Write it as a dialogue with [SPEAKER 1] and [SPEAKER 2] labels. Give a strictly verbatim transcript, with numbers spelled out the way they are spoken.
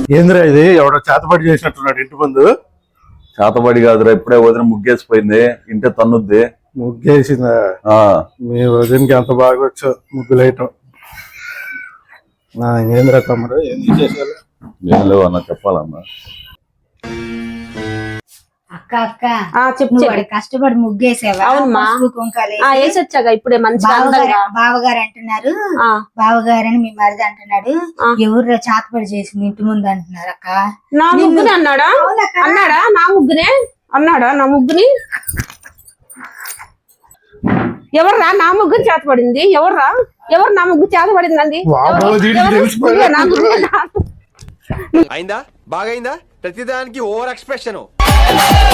[SPEAKER 1] ఏంద్రా ఇది ఎవడో చేతబడి చేసినట్టున్నాడు ఇంటి ముందు.
[SPEAKER 2] చేతబడి కాదురా, ఇప్పుడే వదిన ముగ్గేసిపోయింది, ఇంటే తన్నుద్ది.
[SPEAKER 1] ముగ్గేసిందా? మీ వదినకి ఎంత బాగా వచ్చో ముగ్గులేయటం. ఏంద్రా తమ్ముడు ఏం చేసేయాలి?
[SPEAKER 2] ఏం లేవు అన్న, చెప్పాలన్నా.
[SPEAKER 3] అక్క అక్క చెప్పు, కష్టపడి ముగ్గేసావా? వేసి వచ్చాగా ఇప్పుడే. మంచి బావగారు అంటున్నారు, బావగారని మీ మరిది అంటున్నాడు. ఎవరు చేతపడి చేసింది ఇంటి ముందు అంటున్నారు అక్క.
[SPEAKER 4] నా ముగ్గుని అన్నాడా? అన్నాడా నా ముగ్గునే అన్నాడా? నా ముగ్గుని ఎవర్రా? నా ముగ్గుని చేతపడింది ఎవర్రా? ఎవరు నా ముగ్గు చేతపడింది అంది?
[SPEAKER 5] అయిందా? బాగైందా? ప్రతిదానికి ఓవర్ ఎక్స్ప్రెషన్.